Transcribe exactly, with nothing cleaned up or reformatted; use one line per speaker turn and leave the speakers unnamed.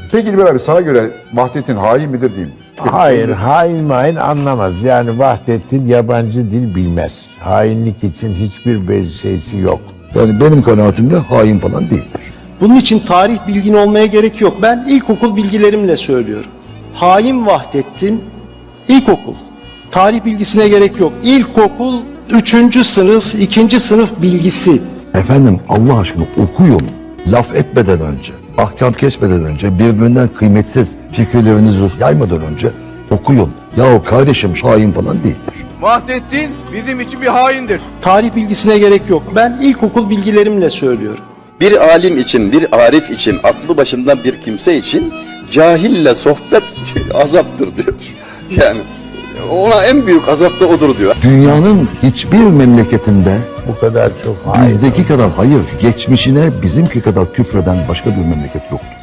Peki İlber abi, sana göre Vahdettin hain midir değil mi?
Hayır, hain main anlamaz. Yani Vahdettin yabancı dil bilmez. Hainlik için hiçbir beziyesi yok.
Yani benim kanaatimde hain falan değildir.
Bunun için tarih bilgin olmaya gerek yok. Ben ilkokul bilgilerimle söylüyorum. Hain Vahdettin ilkokul. Tarih bilgisine gerek yok. İlkokul üçüncü sınıf, ikinci sınıf bilgisi.
Efendim Allah aşkına okuyun. Laf etmeden önce, ahkam kesmeden önce, birbirinden kıymetsiz fikirlerinizi yaymadan önce okuyun. Yahu kardeşim hain falan değildir.
Vahdettin bizim için bir haindir.
Tarih bilgisine gerek yok. Ben ilkokul bilgilerimle söylüyorum.
Bir alim için, bir arif için, aklı başından bir kimse için cahille sohbet azaptır diyor. Yani ona en büyük azap da odur diyor.
Dünyanın hiçbir memleketinde
Bu kadar çok hain.
bizdeki kadar hayır, geçmişine bizimki kadar küfreden başka bir memleket yoktur.